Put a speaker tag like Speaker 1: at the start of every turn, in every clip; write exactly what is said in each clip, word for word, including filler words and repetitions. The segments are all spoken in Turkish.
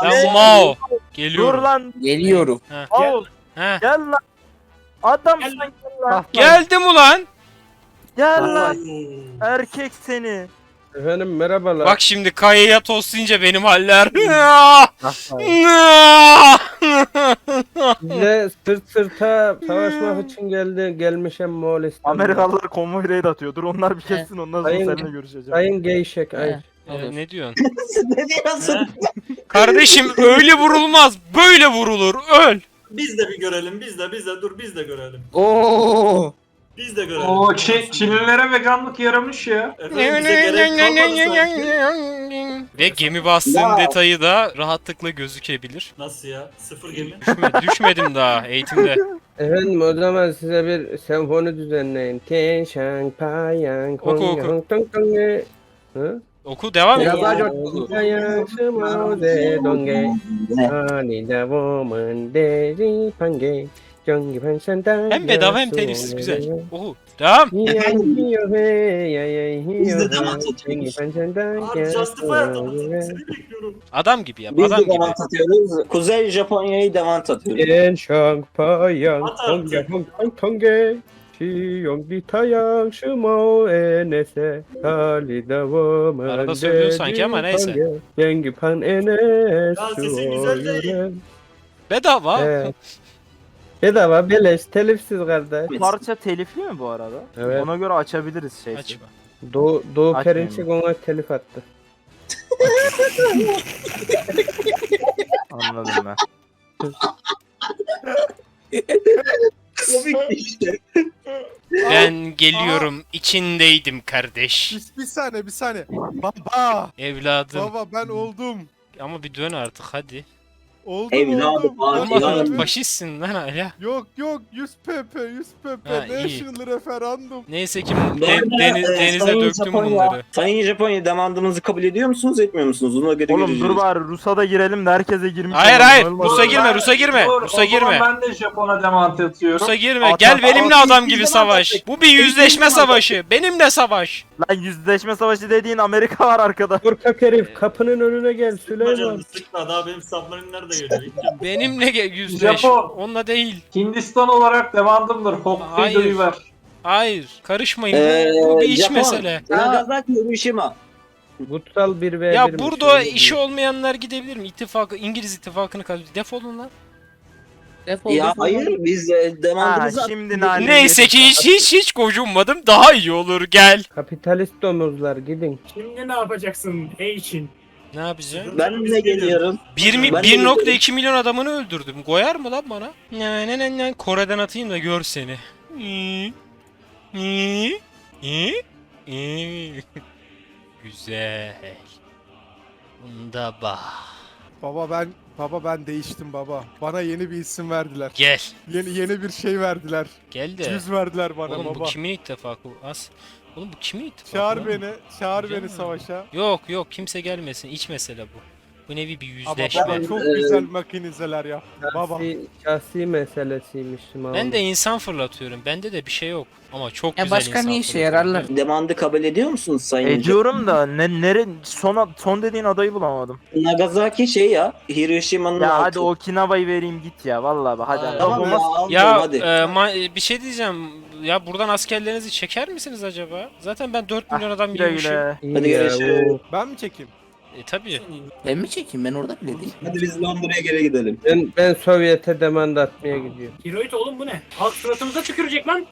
Speaker 1: Lan Mao.
Speaker 2: Dur
Speaker 1: Geliyorum.
Speaker 2: lan.
Speaker 3: Geliyorum.
Speaker 2: Mao.
Speaker 1: He.
Speaker 2: Gel lan. Adam
Speaker 4: Gel
Speaker 2: sen
Speaker 4: lan.
Speaker 2: gel lan.
Speaker 1: Geldim ulan.
Speaker 2: Gel lan. Erkek seni.
Speaker 5: Efendim merhabalar.
Speaker 1: Bak şimdi kayaya toslayınca benim haller.
Speaker 5: Size sırt sırta savaşmak için geldi gelmişim Moğolistan'da.
Speaker 2: Amerikalılar konvoy raid atıyor. Dur onlar bir kessin ondan sonra
Speaker 5: Sayın-
Speaker 2: seninle görüşeceğim.
Speaker 5: Sayın Geyşek ay.
Speaker 1: Ee, ne diyorsun?
Speaker 3: Ne diyorsun?
Speaker 1: Kardeşim öyle vurulmaz. Böyle vurulur. Öl.
Speaker 4: Biz de bir görelim, biz de, biz de, dur biz de görelim.
Speaker 3: Oo.
Speaker 4: Biz de görelim.
Speaker 6: Oo, Çin, Çinlilere veganlık yaramış ya.
Speaker 4: Efendim bize gerek kalmadı sanki.
Speaker 1: Ve gemi bastığım
Speaker 3: Ya.
Speaker 1: detayı da rahatlıkla gözükebilir.
Speaker 4: Nasıl ya? Sıfır gemi.
Speaker 1: Düşme, düşmedim daha eğitimde.
Speaker 5: Efendim o zaman size bir senfoni düzenleyin. Tian Shang Pa Yang
Speaker 1: Oku,
Speaker 5: Hong
Speaker 1: oku.
Speaker 5: Yang Tong Tong Ye. Hı?
Speaker 1: Oku devam et.
Speaker 3: Biraz daha coşkulu.
Speaker 5: Yang Shimao De Dong Ge. Ani Da Woman De Ri Pan Ge. Jong Gi Pan Shan Da.
Speaker 1: Hem bedava hem telifsiz güzel. Oku. Devam.
Speaker 3: Efendim? Biz de devam atıyoruz.
Speaker 4: Abi Justify atamadım. Seni bekliyorum.
Speaker 1: Adam gibi yap.
Speaker 3: Biz
Speaker 1: Adam
Speaker 3: de
Speaker 1: gibi.
Speaker 3: devant atıyoruz. Kuzey Japonya'yı devant atıyoruz.
Speaker 5: Tian Shang Pa Yang
Speaker 4: At
Speaker 5: Hong
Speaker 4: artık.
Speaker 5: Yang Hong Tong Tong Ge. Chi Yong Di Ta Yang Shimao E Ne Se. Ali Da Woman
Speaker 1: Arada söylüyor
Speaker 5: De
Speaker 1: sanki
Speaker 5: Ri
Speaker 1: ama
Speaker 5: Pan
Speaker 1: neyse.
Speaker 5: Ge. Yang Gi Pan E Ne
Speaker 4: Ya sesin güzel değil.
Speaker 5: Yuren.
Speaker 1: Bedava.
Speaker 5: Evet. Bedava beleş telifsiz kardeş.
Speaker 2: Bu parça telifli mi bu arada?
Speaker 5: Evet.
Speaker 2: Ona göre açabiliriz şey.
Speaker 1: Açma.
Speaker 5: Doğu, Doğu
Speaker 2: Açmayayım
Speaker 5: Perinçek ona telif attı.
Speaker 2: Anladım ben.
Speaker 3: Komik işte.
Speaker 1: Ben geliyorum. İçindeydim kardeş.
Speaker 7: Bir, bir saniye bir saniye. Baba.
Speaker 1: Evladım.
Speaker 7: Baba ben oldum.
Speaker 1: Ama bir dön artık hadi.
Speaker 7: Oldum
Speaker 3: Evladım,
Speaker 7: oldum.
Speaker 3: abi,
Speaker 7: Oldum.
Speaker 1: Olmadı.
Speaker 3: evladım.
Speaker 1: Faşistsin lan hala.
Speaker 7: Yok yok yüz pp yüz pp
Speaker 1: Ha, iyi.
Speaker 7: National Referandum.
Speaker 1: Neyse ki
Speaker 3: Bu
Speaker 1: de-
Speaker 3: arada,
Speaker 1: deniz,
Speaker 3: e,
Speaker 1: denize
Speaker 3: Sayın
Speaker 1: döktüm
Speaker 3: Japonya-
Speaker 1: bunları.
Speaker 3: Sayın Japonya demandımızı kabul ediyor musunuz etmiyor musunuz? Ona göre
Speaker 2: Oğlum
Speaker 3: göreceğiz.
Speaker 2: dur bari Rus'a da girelim de herkese girmiş.
Speaker 1: Hayır
Speaker 2: olalım.
Speaker 1: hayır.
Speaker 2: Olmaz.
Speaker 1: Rus'a girme,
Speaker 6: Ben-
Speaker 1: Rus'a girme.
Speaker 6: Dur,
Speaker 1: Rus'a
Speaker 6: o zaman
Speaker 1: girme.
Speaker 6: ben de Japon'a demant atıyorum.
Speaker 1: Rus'a girme.
Speaker 2: At,
Speaker 1: Gel
Speaker 2: at,
Speaker 1: benimle
Speaker 3: at.
Speaker 1: adam gibi
Speaker 3: Biz
Speaker 1: savaş.
Speaker 3: de
Speaker 1: Bu bir yüzleşme savaşı. Benimle savaş.
Speaker 2: Lan yüzleşme savaşı dediğin Amerika var arkada.
Speaker 5: Korkak herif kapının önüne gel
Speaker 4: Sıkma
Speaker 5: Süleyman.
Speaker 4: canını sıkma. Daha benim submarine'ler de geliyor.
Speaker 1: Benimle gel yüzleş.
Speaker 6: Japon.
Speaker 1: Onunla değil.
Speaker 6: Hindistan olarak demandımdır.
Speaker 1: Hayır.
Speaker 6: Hokkaido'yu ver.
Speaker 1: Hayır. Karışmayın.
Speaker 3: Ee,
Speaker 1: Bu bir iç
Speaker 3: Japon,
Speaker 1: mesele.
Speaker 3: Nagasaki Hiroşima.
Speaker 5: Kutsal bir ve
Speaker 1: Ya
Speaker 5: bir
Speaker 1: burada
Speaker 5: şey
Speaker 1: işi olmayanlar gidebilir mi? İttifakı, İngiliz ittifakını kazanıyor. Defolun lan.
Speaker 3: Ya hayır biz e,
Speaker 2: Ha
Speaker 3: demandımızı
Speaker 2: şimdi nane.
Speaker 1: Neyse ki hiç hiç hiç gocunmadım. Daha iyi olur gel.
Speaker 5: Kapitalist domuzlar gidin.
Speaker 4: Şimdi ne yapacaksın ey Çin?
Speaker 1: Ne yapacağım?
Speaker 3: Ben de geliyorum.
Speaker 1: bir mi-
Speaker 3: Ben de
Speaker 1: bir nokta
Speaker 3: geliyorum.
Speaker 1: iki milyon adamını öldürdüm. Koyar mı lan bana? Ne ne ne ne Kore'den atayım da gör seni. İyi. İyi. İyi. İyi. Güzel. Bunda bak.
Speaker 7: Baba ben baba ben değiştim baba. Bana yeni bir isim verdiler.
Speaker 1: Gel.
Speaker 7: Yeni yeni bir şey verdiler.
Speaker 1: Gel de.
Speaker 7: Yüz verdiler bana
Speaker 1: Oğlum bu
Speaker 7: baba.
Speaker 1: kimin ittifakı? As. Oğlum bu kimin ittifakı?
Speaker 7: Çağır
Speaker 1: lan?
Speaker 7: beni, çağır
Speaker 1: Güzel
Speaker 7: beni
Speaker 1: mi?
Speaker 7: savaşa.
Speaker 1: Yok yok kimse gelmesin. İç mesele bu. Bu nevi bir
Speaker 7: Ama
Speaker 1: yüzleşme.
Speaker 7: baba çok
Speaker 3: Ee,
Speaker 7: güzel makinizeler yaptı baba.
Speaker 5: Şahsi, şahsi meselesiymiş.
Speaker 1: Ben de insan fırlatıyorum. Bende de bir şey yok. Ama çok
Speaker 3: Ya
Speaker 1: güzel
Speaker 3: başka
Speaker 1: insan
Speaker 3: ne işe
Speaker 1: fırlatıyorum.
Speaker 3: yararlar? Demandı kabul ediyor musunuz Sayın Japonya?
Speaker 2: Ediyorum da ne nere son son dediğin adayı bulamadım.
Speaker 3: Nagasaki şey ya, Hiroşima'nın
Speaker 2: Ya
Speaker 3: altı.
Speaker 2: hadi Okinawa'yı vereyim git ya vallahi bak hadi.
Speaker 3: Tamam
Speaker 2: Laf
Speaker 3: ya,
Speaker 2: olmaz.
Speaker 3: aldım,
Speaker 1: Ya
Speaker 3: hadi.
Speaker 1: e, ma- bir şey diyeceğim. Ya buradan askerlerinizi çeker misiniz acaba? Zaten ben dört milyon adam
Speaker 2: Ah, Güle
Speaker 1: yemişim.
Speaker 2: güle.
Speaker 3: Hadi görüşürüz.
Speaker 7: Ben mi çekeyim?
Speaker 1: E tabi.
Speaker 8: Ben mi çekeyim? Ben orada bile değilim.
Speaker 3: Hadi biz Londra'ya geri gidelim.
Speaker 5: Ben, ben Sovyet'e demanda atmaya gidiyorum.
Speaker 4: Hiroid oğlum bu ne? Halk suratımıza tükürecek lan.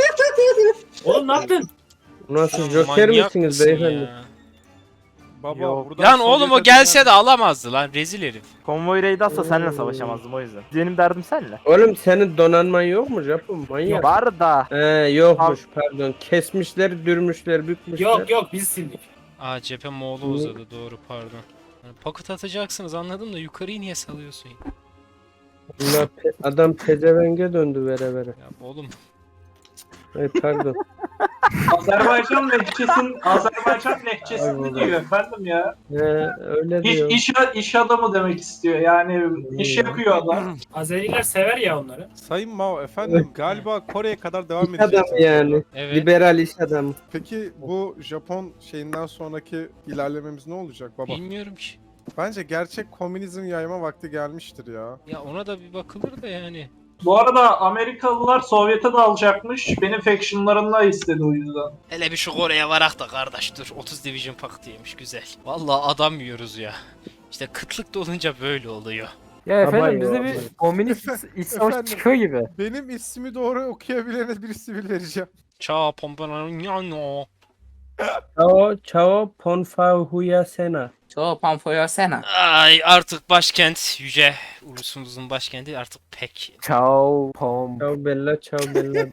Speaker 4: Oğlum ne yaptın?
Speaker 5: Nasıl joker misiniz beyefendi?
Speaker 7: Baba
Speaker 2: Yok.
Speaker 7: buradan
Speaker 1: Lan oğlum o
Speaker 7: Sovyet'e
Speaker 1: gelse
Speaker 7: dönen-
Speaker 1: de alamazdı lan rezil herif.
Speaker 2: Konvoy raid atsa seninle savaşamazdım o yüzden. Benim derdim seninle.
Speaker 5: Oğlum senin donanman yok mu Japon? Manyak.
Speaker 2: Var da.
Speaker 5: He yokmuş pardon. Kesmişler, dürmüşler, bükmüşler.
Speaker 4: Yok yok biz sildik.
Speaker 1: Aa cephe Moğol'u uzadı doğru pardon. Yani paket atacaksınız anladım da yukarıyı niye salıyorsun ya?
Speaker 5: Bunlar pe- adam pezevenge döndü vere vere.
Speaker 1: Ya oğlum
Speaker 5: Ay pardon.
Speaker 6: Azerbaycan lehçesin, Azerbaycan
Speaker 5: Ay
Speaker 6: lehçesini
Speaker 5: baba.
Speaker 6: diyor efendim ya.
Speaker 5: He öyle
Speaker 6: İş,
Speaker 5: diyor.
Speaker 6: iş, iş adamı demek istiyor yani iş yapıyor adam.
Speaker 4: Azeriler sever ya onları.
Speaker 7: Sayın Mao efendim galiba Kore'ye kadar devam
Speaker 5: İş
Speaker 7: edeceğiz.
Speaker 5: adamı yani.
Speaker 1: evet.
Speaker 5: Liberal iş adamı.
Speaker 7: Peki bu Japon şeyinden sonraki ilerlememiz ne olacak baba?
Speaker 1: Bilmiyorum ki.
Speaker 7: Bence gerçek komünizm yayma vakti gelmiştir ya.
Speaker 1: Ya ona da bir bakılır da yani.
Speaker 6: Bu arada Amerikalılar Sovyet'e dalacakmış. Benim factionlarımla istedi o yüzden.
Speaker 1: Hele bir şu Kore'ye varak da kardeş dur. otuz Division Paktı'ymış güzel. Vallahi adam yiyoruz ya. İşte kıtlık da olunca böyle oluyor.
Speaker 2: Ya efendim
Speaker 5: Abay
Speaker 2: bize
Speaker 5: o,
Speaker 2: bir
Speaker 5: abay.
Speaker 2: komünist iç savaş
Speaker 7: Efendim.
Speaker 2: çıkıyor gibi.
Speaker 7: Benim ismi doğru okuyabilene bir sivil vereceğim.
Speaker 1: Ça pompano.
Speaker 5: Chao Chao Ponfahuya Sena.
Speaker 8: Çoğu pamfoya sena.
Speaker 1: Ay artık başkent yüce ulusumuzun başkenti artık pek.
Speaker 2: Ciao pom.
Speaker 5: Ciao Bella, ciao Bella.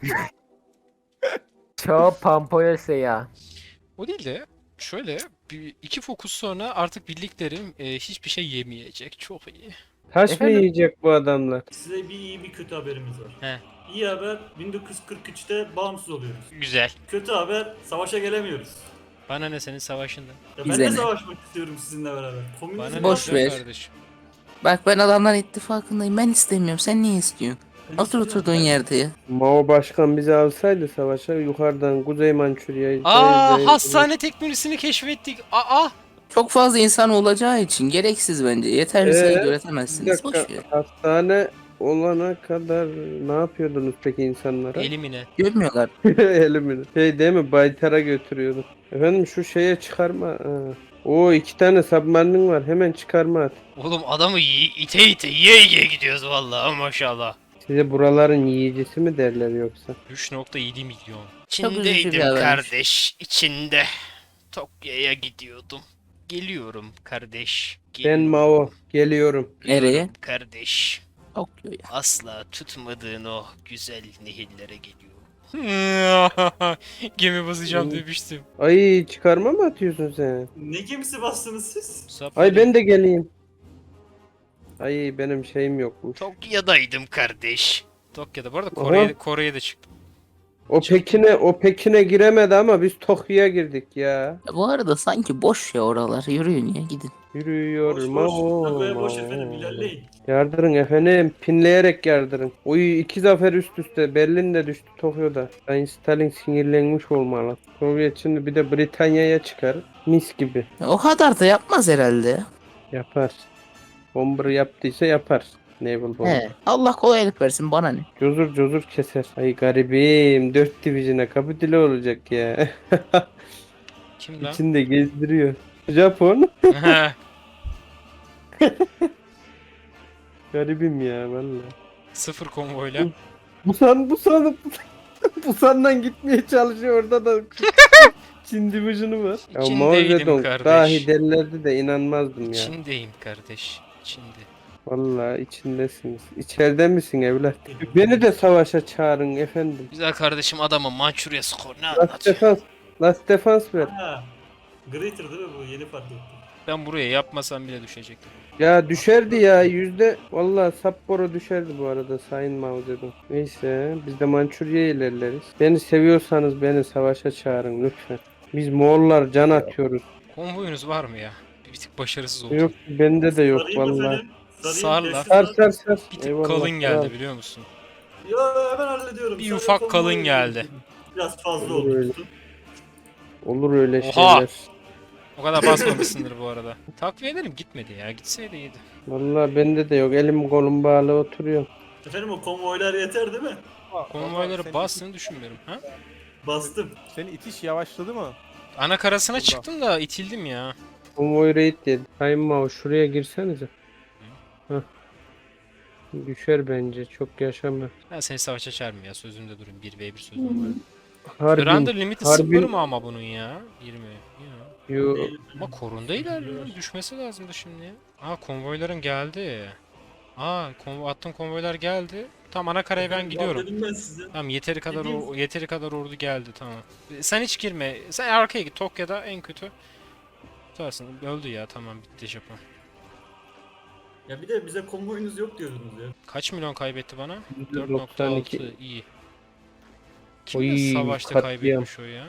Speaker 2: Ciao pampoyese ya.
Speaker 1: O değil de şöyle bir, iki fokus sonra artık birliklerim e, hiçbir şey yemeyecek. Çok iyi.
Speaker 5: Taş mı
Speaker 2: Efendim?
Speaker 5: yiyecek bu adamlar?
Speaker 9: Size bir iyi bir kötü haberimiz var.
Speaker 1: He.
Speaker 9: İyi haber bin dokuz yüz kırk üçte bağımsız oluyoruz.
Speaker 1: Güzel.
Speaker 9: Kötü haber savaşa gelemiyoruz.
Speaker 1: Bana ne senin savaşında?
Speaker 9: Ya ben
Speaker 8: Bize
Speaker 9: de
Speaker 8: ne?
Speaker 9: savaşmak istiyorum sizinle beraber. Komünizm
Speaker 1: Bana ne
Speaker 8: Boş
Speaker 1: güzel
Speaker 8: ver.
Speaker 1: kardeşim.
Speaker 8: Bak ben adamlar ittifakındayım. Ben istemiyorum. Sen niye istiyorsun? Otur oturduğun yerde ya.
Speaker 5: Mao Başkan bizi alsaydı savaşa yukarıdan Kuzey Mançurya'yı...
Speaker 1: Aa
Speaker 5: Zey-
Speaker 1: hastane teknolojisini keşfettik. Aa.
Speaker 8: Çok fazla insan olacağı için gereksiz bence. Yeterli sayıda
Speaker 5: Ee, Bir
Speaker 8: üretemezsiniz. Boş
Speaker 5: dakika,
Speaker 8: ver.
Speaker 5: hastane olana kadar ne yapıyordunuz peki insanlara?
Speaker 1: Elimine.
Speaker 8: Görmüyorlar.
Speaker 5: Elimini. Şey değil mi? Baytar'a götürüyordum. Efendim şu şeye çıkarma. Ha. Oo iki tane submarinin var. Hemen çıkarma at.
Speaker 1: Oğlum adamı yi- ite ite yiye yiye gidiyoruz vallahi maşallah.
Speaker 5: Size buraların yiyicisi mi derler yoksa?
Speaker 1: üç nokta yedi milyon.
Speaker 8: Çok üzücü bir
Speaker 1: İçindeydim
Speaker 8: habermiş.
Speaker 1: kardeş. İçinde. Tokyo'ya gidiyordum. Geliyorum kardeş.
Speaker 5: Ben
Speaker 1: Geliyorum.
Speaker 5: Mao. Geliyorum.
Speaker 8: Nereye?
Speaker 1: Kardeş.
Speaker 8: Tokyo'ya.
Speaker 1: Asla tutmadığın o güzel nehirlere geliyor. Gemi basacağım demiştim.
Speaker 5: Ay çıkarma mı atıyorsun sen?
Speaker 9: Ne gemisi bastınız siz?
Speaker 5: Ay ben de geleyim. Ay benim şeyim yokmuş.
Speaker 1: Tokyo'daydım kardeş. Tokyo'da. Bu arada
Speaker 5: Aha.
Speaker 1: Kore'ye Kore'ye de çıktım.
Speaker 5: O Pekin'e o Pekin'e giremedi ama biz Tokyo'ya girdik ya.
Speaker 8: Ya bu arada sanki boş ya oralar. Yürüyün ya gidin.
Speaker 5: Yürüyor
Speaker 9: Boş boş.
Speaker 5: Mao.
Speaker 9: Tabii boş
Speaker 5: Mao.
Speaker 9: efendim ilerleyin.
Speaker 5: Yardırın efendim. Pinleyerek yardırın. Oy iki zafer üst üste. Berlin de düştü Tokyo'da. Sayın Stalin sinirlenmiş olmalı. Sovyet şimdi bir de Britanya'ya çıkar. Mis gibi.
Speaker 8: O kadar da yapmaz herhalde ya.
Speaker 5: Yapar. Bomber yaptıysa yapar. Naval Bomber.
Speaker 8: He. Allah kolaylık versin bana ne.
Speaker 5: Cozur cozur keser. Ay garibim. Dört divizyona kapitüle olacak ya.
Speaker 1: Kim lan?
Speaker 5: İçinde gezdiriyor. Japon. Garibim ya valla.
Speaker 1: Sıfır konvoyla.
Speaker 5: Busan Busan Busan'dan gitmeye çalışıyor orada da Çin division'ı var. Ya
Speaker 1: İçindeydim
Speaker 5: Mao Zedong
Speaker 1: kardeş.
Speaker 5: dahi derlerdi de inanmazdım ya.
Speaker 1: İçindeyim kardeş. İçinde.
Speaker 5: Vallahi içindesiniz. İçeride misin evlat? Beni de savaşa çağırın efendim.
Speaker 1: Güzel kardeşim adamın Mançurya skor ne
Speaker 5: Last
Speaker 1: anlatıyor?
Speaker 5: defans. Last defans ver.
Speaker 9: Ha. Greater değil mi bu? Yeni fark ettim.
Speaker 1: Ben buraya yapmasam bile düşecektim.
Speaker 5: Ya düşerdi ya yüzde. Vallahi Sapporo düşerdi bu arada Sayın Mao Zedong. Neyse biz de Mançurya'ya ilerleriz. Beni seviyorsanız beni savaşa çağırın lütfen. Biz Moğollar can atıyoruz.
Speaker 1: Konvoyunuz var mı ya? Bir tık başarısız oldu.
Speaker 5: Yok bende de yok
Speaker 9: Sarayım
Speaker 5: vallahi.
Speaker 9: efendim. Sarayım,
Speaker 1: Sar lan.
Speaker 9: destek
Speaker 5: Sar
Speaker 9: sar.
Speaker 5: sar sar.
Speaker 1: Bir tık
Speaker 5: Eyvallah,
Speaker 1: kalın geldi
Speaker 5: kral.
Speaker 1: biliyor musun?
Speaker 9: Ya hemen hallediyorum.
Speaker 1: Bir
Speaker 9: Sarayım
Speaker 1: ufak
Speaker 9: konvoyu
Speaker 1: kalın geldi.
Speaker 9: Biraz fazla
Speaker 5: Olur
Speaker 9: oldu.
Speaker 5: öyle.
Speaker 9: tutun.
Speaker 5: Olur öyle
Speaker 1: Oha!
Speaker 5: şeyler.
Speaker 1: O kadar basmamışsındır bu arada. Takviye ederim gitmedi ya. Gitseydi iyiydi.
Speaker 5: Vallahi bende de yok. Elim kolum bağlı oturuyor.
Speaker 9: Efendim o konvoylar yeter değil mi?
Speaker 7: Baba,
Speaker 1: Konvoyları
Speaker 7: senin-
Speaker 1: bastığını düşünmüyorum. Ha?
Speaker 9: Bastım.
Speaker 7: Senin itiş yavaşladı mı?
Speaker 1: Ana karasına
Speaker 7: Burada.
Speaker 1: çıktım da itildim ya.
Speaker 5: Konvoy raid dedi. Sayın Mao şuraya girsenize. Hah. Düşer bence. Çok yaşama.
Speaker 1: Ben seni savaşa çağırmıyorum ya. Sözümde durun. bir ve bir sözüm var.
Speaker 5: Harbin.
Speaker 1: Render limiti
Speaker 5: Harbin-
Speaker 1: sıfır mı ama bunun ya? yirmi. Ya.
Speaker 5: Yo,
Speaker 1: Ama korunda ilerliyor. Düşmesi lazımdı şimdi ya. Aa konvoyların geldi. Aa konvo attığım konvoylar geldi. Tamam ana karaya ben gidiyorum.
Speaker 9: Dedim ben size.
Speaker 1: Tamam yeteri kadar
Speaker 9: Dediğim-
Speaker 1: o, yeteri kadar ordu geldi tamam. Sen hiç girme. Sen arkaya git. Tokyo'da en kötü. Tutarsın. Öldü ya tamam bitti Japon.
Speaker 9: Ya bir de bize konvoyunuz yok diyordunuz ya.
Speaker 1: Kaç milyon kaybetti bana?
Speaker 5: yüzde
Speaker 1: dört nokta
Speaker 5: doksan iki.
Speaker 1: altı iyi. Kimle
Speaker 5: Oy,
Speaker 1: savaşta
Speaker 5: katliam.
Speaker 1: kaybetmiş o ya?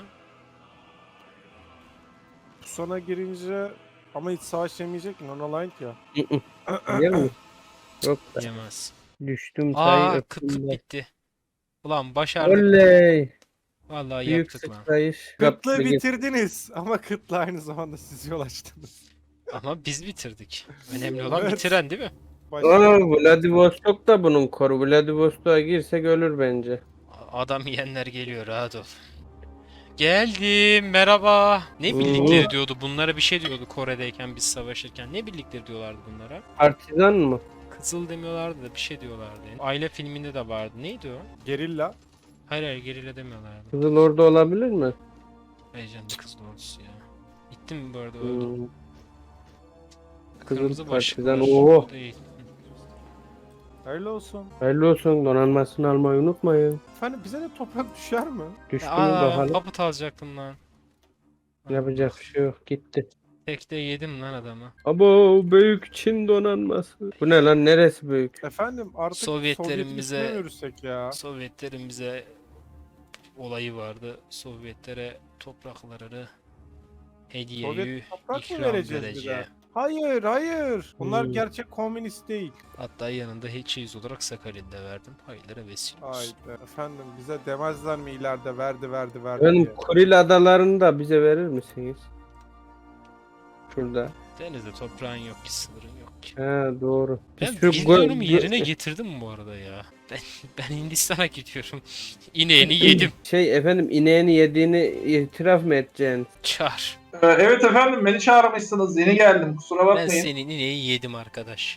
Speaker 7: Sona girince ama hiç savaş yemeyecek mi? Non-aligned ya.
Speaker 5: Biliyor musun? Yok da.
Speaker 1: Yemez.
Speaker 5: Düştüm sayı
Speaker 1: Aa
Speaker 5: öptüm
Speaker 1: kıtlık
Speaker 5: de.
Speaker 1: bitti. Ulan başardık.
Speaker 5: Oley.
Speaker 1: Vallahi
Speaker 5: Büyük
Speaker 1: yaptık lan.
Speaker 5: sıçrayış.
Speaker 7: Kıtlığı
Speaker 5: Kaplı-
Speaker 7: bitirdiniz ama kıtlığa aynı zamanda siz yol açtınız.
Speaker 1: Ama biz bitirdik. Önemli olan
Speaker 7: Evet.
Speaker 1: bitiren değil mi?
Speaker 7: Başka-
Speaker 5: Aa, Vladivostok da bunun koru. Vladivostok'a girsek ölür bence.
Speaker 1: Adam yiyenler geliyor, rahat ol. Geldim, merhaba. Ne
Speaker 5: Oo.
Speaker 1: birlikleri diyordu bunlara, bir şey diyordu Kore'deyken biz savaşırken. Ne birlikleri diyorlardı bunlara?
Speaker 5: Partizan mı?
Speaker 1: Kızıl demiyorlardı da bir şey diyorlardı. Aile filminde de vardı. Neydi o?
Speaker 7: Gerilla.
Speaker 1: Hayır hayır, gerilla demiyorlardı.
Speaker 5: Kızıl Ordu olabilir mi?
Speaker 1: Heyecanlı kızıl ordusu ya. Gittim mi bu arada, öldüm.
Speaker 5: Hmm. Kızıl
Speaker 1: Kırmızı başlıklı
Speaker 5: partizan.
Speaker 1: var.
Speaker 5: Oo.
Speaker 1: Değil.
Speaker 7: Hayırlı olsun.
Speaker 5: Hayırlı olsun. Donanmasını almayı unutmayın.
Speaker 7: Efendim bize de toprak düşer mi?
Speaker 5: Düştü mü
Speaker 1: Aa,
Speaker 5: bakalım.
Speaker 1: papıt alacaktım lan.
Speaker 5: Yapacak bir şey yok. Gitti.
Speaker 1: Tekte yedim lan adamı.
Speaker 5: Abo büyük Çin donanması. Bu ne lan? Neresi büyük?
Speaker 7: Efendim artık
Speaker 1: Sovyetlerin
Speaker 7: Sovyet'in
Speaker 1: bize-
Speaker 7: üstüne mi yürüsek ya?
Speaker 1: Sovyetlerin bize olayı vardı. Sovyetlere topraklarını hediyeyi
Speaker 7: Sovyet toprak mı
Speaker 1: ikram
Speaker 7: vereceğiz bir
Speaker 1: vereceği.
Speaker 7: de? Hayır hayır. Bunlar
Speaker 5: Hmm.
Speaker 7: gerçek komünist değil.
Speaker 1: Hatta yanında hiç olarak Sakalin'de verdim. Hayırlara vesile olsun.
Speaker 7: Haydi. Efendim bize demezler mi ileride verdi verdi verdi
Speaker 5: Benim
Speaker 7: diye.
Speaker 5: Kuril adalarını da bize verir misiniz? Şurada.
Speaker 1: Denizde toprağın yok ki, sınırın yok ki.
Speaker 5: Ha doğru.
Speaker 1: Ben
Speaker 5: Biz şu
Speaker 1: vizyonumu
Speaker 5: gö-
Speaker 1: yerine getirdim bu arada ya. Ben, ben Hindistan'a gidiyorum. İneğini yedim.
Speaker 5: Şey efendim ineğini yediğini itiraf mı edeceksin?
Speaker 1: Çağır.
Speaker 6: Ee, evet efendim beni çağırmışsınız. Yeni geldim. Kusura
Speaker 1: Ben
Speaker 6: bakmayın.
Speaker 1: senin ineği yedim arkadaş.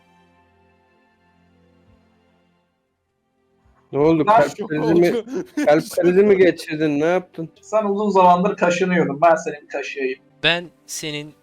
Speaker 5: Ne oldu?
Speaker 6: Lan
Speaker 5: Kalp krizi mi, kalp krizi mi geçirdin? Ne yaptın?
Speaker 6: Sen uzun zamandır kaşınıyordun. Ben senin kaşıyayım.
Speaker 1: Ben senin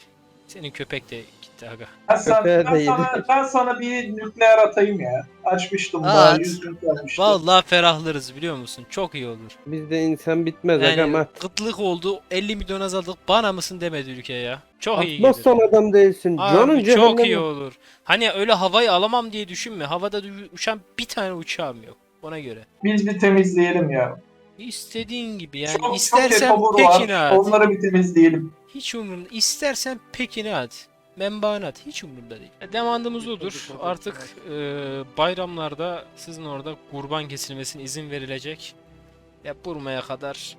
Speaker 1: senin köpek de gitti aga.
Speaker 6: Ben, sen,
Speaker 5: Köpeğe de
Speaker 6: ben, sana,
Speaker 5: yedik.
Speaker 6: ben sana bir nükleer atayım ya. Açmıştım
Speaker 1: Aa,
Speaker 6: daha
Speaker 1: at.
Speaker 6: yüz gün kalmıştı.
Speaker 1: Vallahi ferahlarız biliyor musun? Çok iyi olur.
Speaker 5: Bizde insan bitmez
Speaker 1: Yani
Speaker 5: agam at.
Speaker 1: kıtlık oldu, elli milyon azaldık, bana mısın demedi ülke ya. Çok iyi
Speaker 5: Atmaz
Speaker 1: gelir.
Speaker 5: son adam değilsin. Canın
Speaker 1: Abi çok
Speaker 5: cehenneme.
Speaker 1: iyi olur. Hani öyle havayı alamam diye düşünme. Havada dü- uçan bir tane uçağım yok. Ona göre.
Speaker 6: Biz bir temizleyelim ya.
Speaker 1: İstediğin gibi yani.
Speaker 6: çok,
Speaker 1: istersen
Speaker 6: çok etobur
Speaker 1: Pekin'e
Speaker 6: var.
Speaker 1: at.
Speaker 6: Onları bir temizleyelim.
Speaker 1: Hiç umurumda. İstersen Pekin'e at. Menbaana at. Hiç umurumda değil. E, Demandımız odur. Artık e, bayramlarda sizin orada kurban kesilmesine izin verilecek. Ya Burma'ya kadar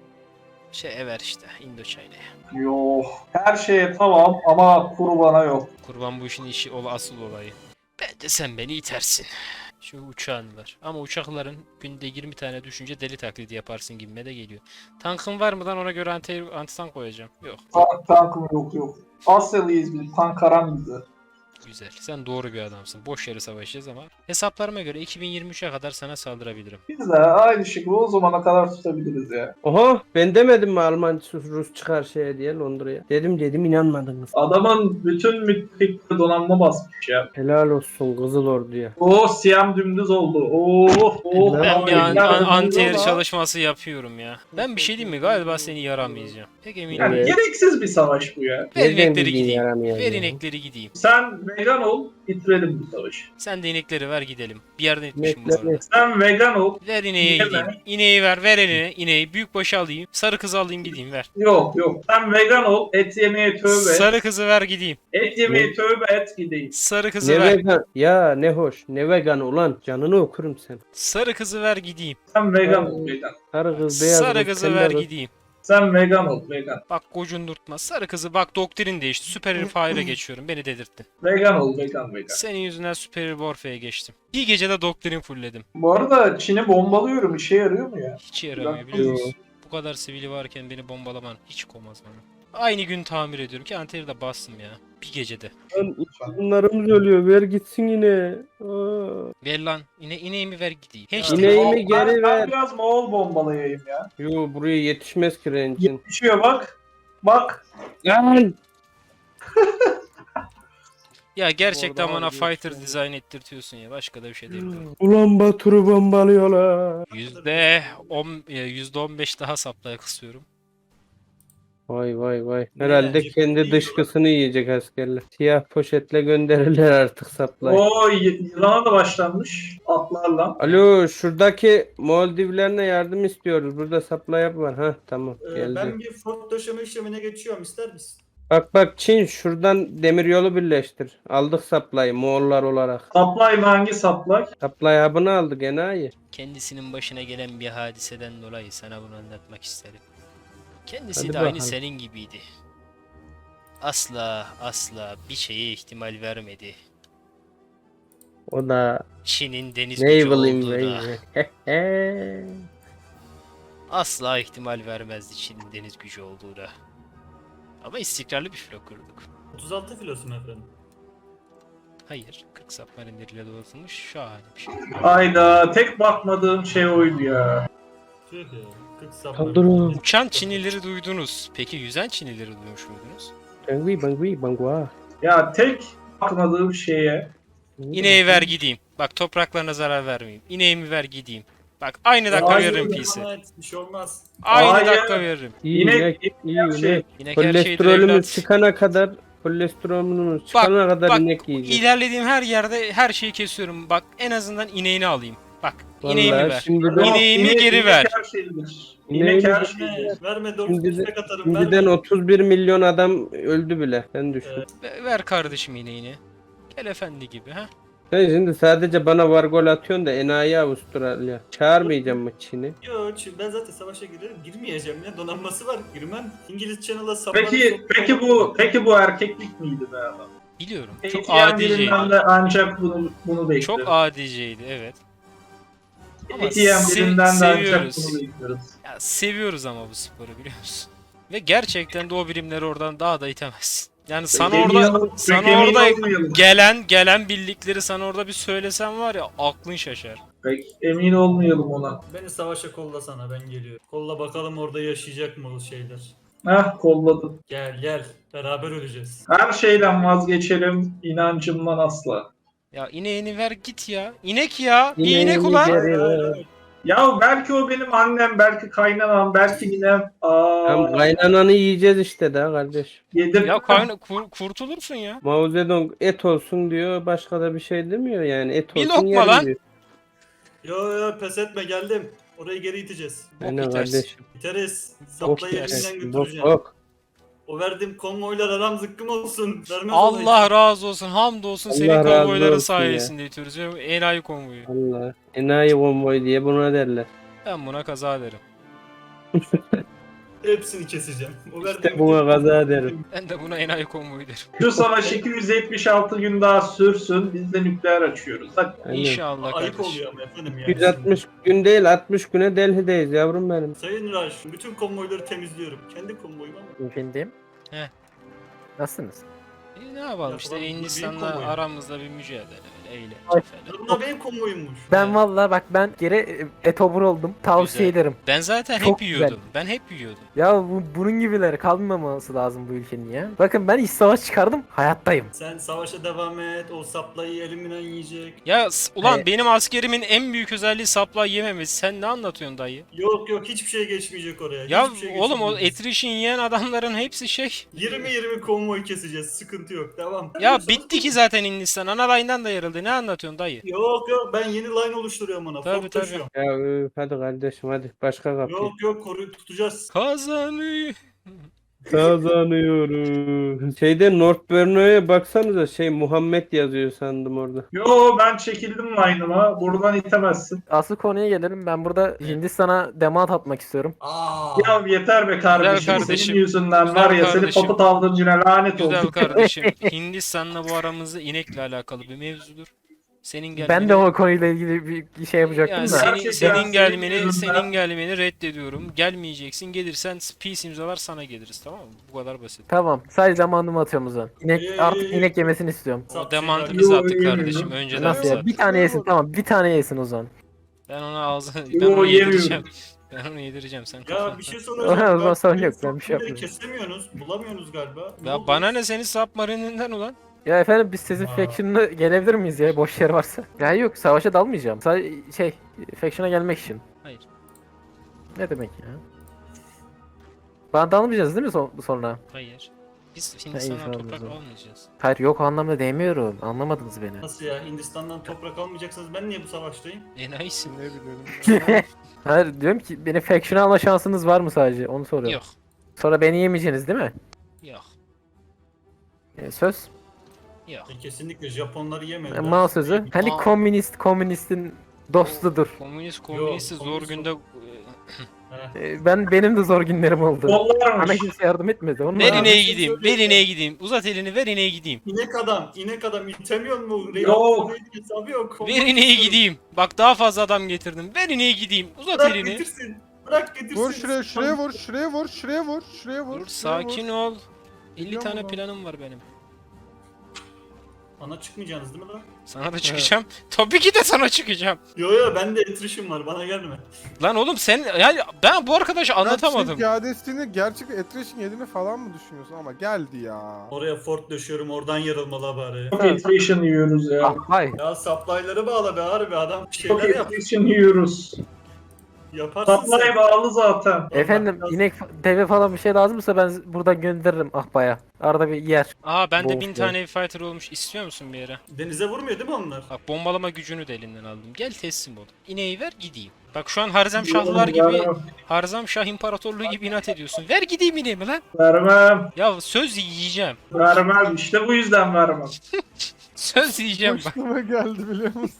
Speaker 1: şey ver işte. Indoçina'ya.
Speaker 6: Yok. Her şeye tamam ama kurbana yok.
Speaker 1: Kurban bu işin işi ol asıl olayı. Bence sen beni itersin. Şu uçağın var. Ama uçakların günde yirmi tane düşünce deli taklidi yaparsın gibime de geliyor. Tankın var mı lan, ona göre anti, anti tank koyacağım. Yok.
Speaker 6: Tank, tankım yok yok. Asyalıyız biz. Tank aram bizi.
Speaker 1: Güzel. Sen doğru bir adamsın. Boş yere savaşacağız ama hesaplarıma göre iki bin yirmi üçe kadar sana saldırabilirim.
Speaker 6: Biz de aynı şekilde o zamana kadar tutabiliriz ya.
Speaker 5: Oha ben demedim mi Alman Rus çıkar şeye diye Londra'ya. Dedim dedim inanmadınız.
Speaker 6: Adamın bütün müttefikleri donanma basmış ya.
Speaker 5: Helal olsun Kızıl Ordu'ya.
Speaker 6: Oo Siyam dümdüz oldu. Oo, oh,
Speaker 1: Ben bir an,
Speaker 6: Amerika
Speaker 1: an,
Speaker 6: dümdüz
Speaker 1: anti-air
Speaker 6: ama-
Speaker 1: çalışması yapıyorum ya. Ben bir şey diyeyim mi? Galiba seni yaramayacağım. Pek eminim.
Speaker 6: Yani
Speaker 5: Evet.
Speaker 6: gereksiz bir savaş bu ya.
Speaker 1: Ver
Speaker 5: Nereden
Speaker 1: inekleri
Speaker 5: bildiğin
Speaker 1: gideyim.
Speaker 5: yaramayan
Speaker 1: Ver
Speaker 5: ya?
Speaker 1: inekleri gideyim.
Speaker 6: Sen vegan ol, bitirelim bu savaşı.
Speaker 1: Sen de inekleri ver gidelim. Bir yerden etmişim bu
Speaker 5: İnekleri-
Speaker 1: arada.
Speaker 6: Sen vegan ol.
Speaker 1: Ver ineğe
Speaker 6: Yeme.
Speaker 1: gideyim. İneği ver, ver eline. İneği büyük başa alayım. Sarı kızı alayım gideyim, ver.
Speaker 6: Yok yok. Sen vegan ol, et yemeye tövbe et.
Speaker 1: Sarı kızı ver gideyim.
Speaker 6: Et yemeye tövbe et gideyim.
Speaker 1: Sarı kızı
Speaker 5: Ne
Speaker 1: ver.
Speaker 5: vegan? Ya ne hoş. Ne vegan ulan. Canını okurum sen.
Speaker 1: Sarı kızı ver gideyim.
Speaker 6: Sen vegan ol, vegan.
Speaker 5: Sarı kız beyaz
Speaker 1: Sarı
Speaker 5: kız,
Speaker 1: kızı
Speaker 5: kelle
Speaker 1: ver
Speaker 5: kız.
Speaker 1: gideyim.
Speaker 6: Sen vegan ol, vegan.
Speaker 1: Bak gocundurtma. Sarı kızı bak, doktrin değişti. Süper Fire'a geçiyorum. Beni dedirttin.
Speaker 6: Vegan ol, vegan, vegan.
Speaker 1: Senin yüzünden Süper Warfare'e geçtim. Bir gecede doktrin fullledim.
Speaker 6: Bu arada Çin'i bombalıyorum. İşe yarıyor mu ya?
Speaker 1: Hiç yaramıyor biliyor musun? Bu kadar sivili varken beni bombalaman hiç komaz bana. Aynı gün tamir ediyorum ki anteri de bastım ya. Bir gecede.
Speaker 5: Lan bunlarımız ölüyor. Ver gitsin yine. Aa.
Speaker 1: Ver lan. İne, ineğimi ver gideyim. Hiç
Speaker 5: İneği-
Speaker 1: değil.
Speaker 5: İneğimi geri
Speaker 6: ben,
Speaker 5: ver.
Speaker 6: Ben biraz Moğol bombalayayım ya.
Speaker 5: Yo buraya yetişmez ki rencin.
Speaker 6: Düşüyor bak. Bak.
Speaker 5: Lan!
Speaker 1: Ya gerçekten
Speaker 7: Orada
Speaker 1: bana
Speaker 7: var,
Speaker 1: fighter
Speaker 7: geçiyor.
Speaker 1: design ettirtiyorsun ya. Başka da bir şey değil.
Speaker 5: Ulan Batur'u bombalıyorlar.
Speaker 1: Yüzde on, e, yüzde on beş daha saplaya kısıyorum.
Speaker 5: Vay vay vay. Herhalde
Speaker 9: Yani,
Speaker 5: kendi
Speaker 9: iyi
Speaker 5: dışkısını yiyecek askerler. Siyah poşetle gönderirler artık saplay.
Speaker 6: O y- yılana da başlanmış. Atlarla.
Speaker 5: Alo şuradaki Moldivlerine yardım istiyoruz. Burada supply var. Ha tamam
Speaker 9: Ee,
Speaker 5: geldi.
Speaker 9: ben bir fort döşeme işlemine geçiyorum, ister misin?
Speaker 5: Bak bak Çin şuradan demiryolu birleştir. Aldık supply'ı Moğollar olarak.
Speaker 6: Supply mı, hangi supply?
Speaker 5: Supply hub'ını aldık enayi.
Speaker 1: Kendisinin başına gelen bir hadiseden dolayı sana bunu anlatmak isterim. Kendisi
Speaker 5: Hadi
Speaker 1: de aynı
Speaker 5: bakalım.
Speaker 1: senin gibiydi. asla asla bir şeye ihtimal vermedi.
Speaker 5: O da
Speaker 1: Çin'in deniz gücü
Speaker 5: Naval
Speaker 1: olduğuna
Speaker 5: Invasion.
Speaker 1: asla ihtimal vermezdi Çin'in deniz gücü olduğuna. Ama istikrarlı bir filo kurduk.
Speaker 9: otuz altı filosu mu efendim?
Speaker 1: Hayır, kırk submarinleriyle donatılmış şahane bir şey.
Speaker 6: Ayda tek bakmadığım şey oydu ya.
Speaker 9: Tüh ya. kırk
Speaker 5: Kaldırın.
Speaker 9: saplar.
Speaker 1: Uçan Çinlileri duydunuz. Peki yüzen Çinlileri duymuş muydunuz?
Speaker 5: Bangui bangui bangua.
Speaker 6: Ya tek bakmadığım şeye.
Speaker 1: İneği ver gideyim. Bak topraklarına zarar vermeyeyim. İneğimi ver gideyim. Bak aynı dakika
Speaker 6: Hayır,
Speaker 1: veririm
Speaker 9: Devam
Speaker 1: P'si.
Speaker 9: et, Bir şey olmaz.
Speaker 1: Aynı
Speaker 6: Hayır.
Speaker 1: dakika veririm.
Speaker 5: İyi
Speaker 6: İnek-
Speaker 5: inek, iyi
Speaker 6: inek şey-
Speaker 5: inek.
Speaker 1: İnek her şeydir
Speaker 5: Kolesterolümüz
Speaker 1: evlat.
Speaker 5: çıkana kadar kolesterolümüz çıkana kadar
Speaker 1: bak,
Speaker 5: inek yiyeceğiz.
Speaker 1: İlerlediğim her yerde her şeyi kesiyorum. Bak en azından ineğini alayım. Bak ineğimi
Speaker 5: Vallahi
Speaker 1: ver.
Speaker 5: şimdiden,
Speaker 1: İneğimi
Speaker 6: İnek-
Speaker 1: geri
Speaker 6: inek
Speaker 1: ver.
Speaker 6: her şeydir.
Speaker 5: İneği
Speaker 6: İnek her
Speaker 5: de-
Speaker 6: şeydir.
Speaker 9: Verme doğru
Speaker 5: Şimdi de-
Speaker 9: istek atarım.
Speaker 5: şimdiden
Speaker 9: Verme.
Speaker 5: otuz bir milyon adam öldü bile. Sen düşün.
Speaker 9: Evet.
Speaker 1: Ver- Ver kardeşim ineğini. Gel efendi gibi ha.
Speaker 5: Sen şimdi sadece bana var gol atıyorsun da enayi Avustralya. Çağırmayacağım mı Çin'i?
Speaker 9: Yo çünkü ben zaten savaşa girerim. Girmeyeceğim ya. Donanması var. Girmem. İngiliz Channel'a saplarım.
Speaker 6: Peki peki bu peki bu erkeklik miydi be adam?
Speaker 1: Biliyorum. Çok
Speaker 6: Eğitiyen
Speaker 1: adiceydi.
Speaker 6: birinden de ancak bunu bunu bekliyoruz.
Speaker 1: Çok adiceydi evet. Ama
Speaker 6: Eğitiyen
Speaker 1: se-
Speaker 6: birinden de ancak
Speaker 1: seviyoruz.
Speaker 6: bunu bekliyoruz.
Speaker 1: Ya seviyoruz ama bu sporu biliyor musun? Ve gerçekten de o birimleri oradan daha da itemezsin. Yani sana
Speaker 6: Emin
Speaker 1: orada
Speaker 6: ol-
Speaker 1: sana
Speaker 6: pek emin
Speaker 1: orada
Speaker 6: olmayalım.
Speaker 1: gelen gelen birlikleri sana orada bir söylesem var ya aklın şaşar.
Speaker 6: Pek emin olmayalım ona.
Speaker 9: Beni savaşa kollasana ben geliyorum. Kolla bakalım orada yaşayacak mı o şeyler.
Speaker 6: Heh kolladım.
Speaker 9: Gel gel. Beraber öleceğiz.
Speaker 6: Her şeyden vazgeçelim. İnancımdan asla.
Speaker 1: Ya ineğini ver git ya. İnek ya. Bir
Speaker 5: İneğini
Speaker 1: inek ulan.
Speaker 5: geri ver.
Speaker 6: Ya belki o benim annem, belki kaynanam, belki ninem.
Speaker 5: Tam
Speaker 6: Aa,
Speaker 5: kaynananı yiyeceğiz işte daha kardeş.
Speaker 6: yedim.
Speaker 1: Ya kayna kur- kurtulursun ya.
Speaker 5: Mao Zedong et olsun diyor, başka da bir şey demiyor yani. Et
Speaker 1: Bir
Speaker 5: olsun
Speaker 1: lokma
Speaker 5: yerim
Speaker 1: lan.
Speaker 5: diyor.
Speaker 9: Yo yo pes etme geldim. Orayı geri iteceğiz.
Speaker 1: Bok
Speaker 5: Aynen
Speaker 1: itersin.
Speaker 5: kardeşim.
Speaker 9: Biteriz.
Speaker 5: Bok
Speaker 9: Saplayı
Speaker 5: yersin,
Speaker 9: elinden
Speaker 5: bok
Speaker 9: götüreceğim.
Speaker 5: bok.
Speaker 9: O verdiğim konvoylar aram zıkkım olsun. Vermez
Speaker 1: Allah razı olsun. Hamdolsun
Speaker 5: Allah
Speaker 1: senin
Speaker 5: razı
Speaker 1: konvoyların
Speaker 5: olsun ya.
Speaker 1: sayesinde itiyoruz. Ya, enayi konvoyu.
Speaker 5: Allah. Enayi konvoy diye buna derler.
Speaker 1: Ben buna kaza derim.
Speaker 9: Hepsini keseceğim. O
Speaker 5: İşte
Speaker 9: verdiğim
Speaker 5: buna kaza derim.
Speaker 1: Ben de buna enayi konvoyu derim.
Speaker 6: Şu savaş iki yüz yetmiş altı gün daha sürsün. Biz de nükleer açıyoruz. Hadi.
Speaker 5: Aynen.
Speaker 1: İnşallah
Speaker 9: Ayıp
Speaker 1: kardeşim.
Speaker 9: oluyor ama efendim yani.
Speaker 5: yüz altmış gün değil altmış güne Delhi'deyiz yavrum benim.
Speaker 9: Sayın Raj, bütün konvoyları temizliyorum. Kendi konvoyum ama.
Speaker 2: Efendim?
Speaker 1: He.
Speaker 2: Nasılsınız?
Speaker 1: E, ne yapalım işte
Speaker 9: Yapılan bir
Speaker 1: Hindistan'la
Speaker 9: konvoy.
Speaker 1: aramızda bir mücadele. Öyle eğlence
Speaker 2: Ay.
Speaker 1: falan.
Speaker 9: Bunlar benim konvoyummuş.
Speaker 2: Ben
Speaker 1: Evet.
Speaker 2: vallahi bak ben geri e, etobur oldum. Tavsiye
Speaker 1: Güzel.
Speaker 2: ederim.
Speaker 1: Ben zaten
Speaker 2: Çok
Speaker 1: hep
Speaker 2: güzel.
Speaker 1: yiyordum. Ben hep yiyordum.
Speaker 2: Ya bu, bunun gibileri kalmaması lazım bu ülkenin ya. Bakın ben iç savaş çıkardım. Hayattayım.
Speaker 9: Sen savaşa devam et, o saplayı elimden yiyecek.
Speaker 1: Ya s- ulan
Speaker 2: Hayır.
Speaker 1: benim askerimin en büyük özelliği supply yememesi. Sen ne anlatıyorsun dayı?
Speaker 9: Yok yok hiçbir şey geçmeyecek oraya.
Speaker 1: Ya
Speaker 9: hiçbir şey
Speaker 1: oğlum o
Speaker 9: geçmeyecek.
Speaker 1: etrişin yiyen adamların hepsi şey.
Speaker 9: yirmi yirmi konvoy keseceğiz, sıkıntı yok, devam.
Speaker 1: Ya bitti ki zaten Hindistan. Ana da yarıldı. Ne anlatıyorsun dayı?
Speaker 9: Yok yok ben yeni line oluşturuyorum ona.
Speaker 1: Tabii,
Speaker 9: Fort
Speaker 1: tabii.
Speaker 9: taşıyorum.
Speaker 5: Ya öf, hadi kardeşim hadi başka kapı.
Speaker 9: Yok yok koruyup tutacağız.
Speaker 1: Kazanıyor.
Speaker 5: Kazanıyoruz. Şeyde North Borneo'ya baksanıza şey Muhammed yazıyor sandım orada.
Speaker 6: Yo ben çekildim line'ıma. Buradan itemezsin.
Speaker 2: Asıl konuya gelelim. Ben burada Hindistan'a demat atmak istiyorum.
Speaker 9: Aa.
Speaker 6: Ya yeter be kardeşim.
Speaker 1: kardeşim.
Speaker 6: Senin yüzünden
Speaker 1: Güzel
Speaker 6: var ya seni
Speaker 1: kardeşim.
Speaker 6: papıt aldırıcına lanet
Speaker 1: Güzel
Speaker 6: olsun.
Speaker 1: kardeşim. Hindistan'la bu aramızda inekle alakalı bir mevzudur. Senin gelmeni...
Speaker 2: Ben de o konuyla ilgili bir şey yapacaktım
Speaker 1: yani
Speaker 2: da.
Speaker 1: senin,
Speaker 6: Gerçekten
Speaker 1: senin
Speaker 6: senin
Speaker 1: gelmeni
Speaker 6: yüzünden-
Speaker 1: senin gelmeni reddediyorum. Gelmeyeceksin. Gelirsen peace imzalar sana geliriz tamam mı? Bu kadar basit.
Speaker 2: Tamam. Sadece zamanımı atıyorum o zaman. İnek,
Speaker 9: Ee,
Speaker 2: artık inek yemesini istiyorum.
Speaker 1: O
Speaker 9: Sap
Speaker 1: demantı
Speaker 9: şeyler-
Speaker 1: biz
Speaker 6: Yo,
Speaker 1: attık
Speaker 6: yemiyorum.
Speaker 1: kardeşim. Önceden
Speaker 2: Nasıl
Speaker 1: biz
Speaker 2: ya?
Speaker 1: attık.
Speaker 2: Bir tane yesin tamam. Bir tane yesin o zaman.
Speaker 1: Ben ona ağzını
Speaker 6: Yo,
Speaker 1: ben onu
Speaker 6: yemiyorum.
Speaker 1: yedireceğim. Ben onu yedireceğim sen kafanı.
Speaker 9: Ya bir şey
Speaker 2: O
Speaker 9: soracağım.
Speaker 2: zaman
Speaker 9: Bak,
Speaker 2: sorun
Speaker 9: benim
Speaker 2: yok, ben bir şey
Speaker 9: sapları
Speaker 2: yapmıyorum.
Speaker 9: Kesemiyorsunuz, bulamıyorsunuz galiba. Ne
Speaker 1: Ya
Speaker 9: oldu?
Speaker 1: bana ne senin submarininden ulan?
Speaker 2: Ya efendim biz sizin
Speaker 9: Aa.
Speaker 2: faction'ına gelebilir miyiz ya boş yer varsa? Ya yok savaşa dalmayacağım. Sadece şey faction'a gelmek için.
Speaker 1: Hayır.
Speaker 2: Ne demek ya? Bana dalmayacağız değil mi son- sonra?
Speaker 1: Hayır. Biz
Speaker 2: iyi,
Speaker 1: Hindistan'dan
Speaker 2: tamam,
Speaker 1: toprak
Speaker 2: tamam.
Speaker 1: almayacağız.
Speaker 2: Hayır yok o anlamda demiyorum. Anlamadınız beni.
Speaker 9: Nasıl ya? Hindistan'dan toprak almayacaksınız. Ben niye bu savaştayım?
Speaker 1: Enayisin ne biliyorum.
Speaker 2: Hayır diyorum ki beni faction'a alma şansınız var mı sadece? Onu soruyorum.
Speaker 1: Yok.
Speaker 2: Sonra beni yemeyeceksiniz değil mi?
Speaker 1: Yok.
Speaker 2: E, söz.
Speaker 1: Yok.
Speaker 9: E, kesinlikle Japonları
Speaker 2: E,
Speaker 9: yemediler.
Speaker 2: mal sözü. Hani
Speaker 1: Aa.
Speaker 2: komünist komünistin dostudur.
Speaker 1: Komünist komünisti
Speaker 9: Yok,
Speaker 1: zor
Speaker 9: komünist
Speaker 1: günde
Speaker 2: Ee, Ben benim de zor günlerim oldu. Bana
Speaker 6: Kollarmış.
Speaker 2: kimse yardım etmedi. Onun
Speaker 1: Ver
Speaker 2: da-
Speaker 1: ineğe
Speaker 9: bir şey
Speaker 1: gideyim. Ver
Speaker 9: söyleyeceğim.
Speaker 1: ineğe gideyim. Uzat elini ver ineğe gideyim.
Speaker 9: İnek adam, inek adam itemiyor mu?
Speaker 6: Yok.
Speaker 9: Hesabı yok.
Speaker 1: Ver ineğe gideyim. Bak daha fazla adam getirdim. Ver ineğe gideyim. Uzat
Speaker 9: Bırak
Speaker 1: elini.
Speaker 9: getirsin. Bırak getirsin.
Speaker 7: Vur şuraya şuraya vur şuraya vur şuraya vur şuraya vur.
Speaker 1: Dur
Speaker 7: şuraya vur.
Speaker 1: sakin ol. elli
Speaker 7: Biliyorum
Speaker 1: tane
Speaker 7: ulan.
Speaker 1: planım var benim.
Speaker 9: Bana çıkmayacaksınız değil mi lan?
Speaker 1: Sana da çıkacağım. Tabii ki de sana çıkacağım.
Speaker 9: Yo yo bende etrişim var bana gelme.
Speaker 1: Lan oğlum sen yani ben bu arkadaşı anlatamadım.
Speaker 7: Sen piyadesini gerçek Etriş'in yediğini falan mı düşünüyorsun ama geldi ya.
Speaker 9: Oraya fort döşüyorum oradan yarılmalı bari.
Speaker 6: Çok attrition yiyoruz ya.
Speaker 2: Ah vay.
Speaker 9: Ya supply'ları bağla be harbi adam bir
Speaker 6: Çok
Speaker 9: şeyler yap.
Speaker 6: attrition yiyoruz.
Speaker 9: Yaparsın
Speaker 6: Supply
Speaker 9: sen.
Speaker 6: bağlı zaten.
Speaker 2: Efendim
Speaker 9: Allah
Speaker 2: inek, deve falan bir şey lazımsa ben buradan gönderirim Ahbaya. Arada bir yer.
Speaker 1: Aa bende
Speaker 2: Bol
Speaker 1: bin
Speaker 2: şey.
Speaker 1: tane ev fighter olmuş. İstiyor musun bir yere?
Speaker 9: Denize vurmuyor değil mi onlar?
Speaker 1: Bak bombalama gücünü de elinden aldım. Gel teslim ol. İneği ver gideyim. Bak şu an Harzem
Speaker 6: Yok,
Speaker 1: Şahlar gibi,
Speaker 6: vermem.
Speaker 1: Harzem Şah İmparatorluğu gibi inat ediyorsun. Ver gideyim ineğimi lan.
Speaker 6: Vermem.
Speaker 1: Ya söz yiyeceğim.
Speaker 6: Vermem. İşte bu yüzden vermem.
Speaker 1: Söz yiyeceğim bak.
Speaker 7: Başıma geldi biliyor musun?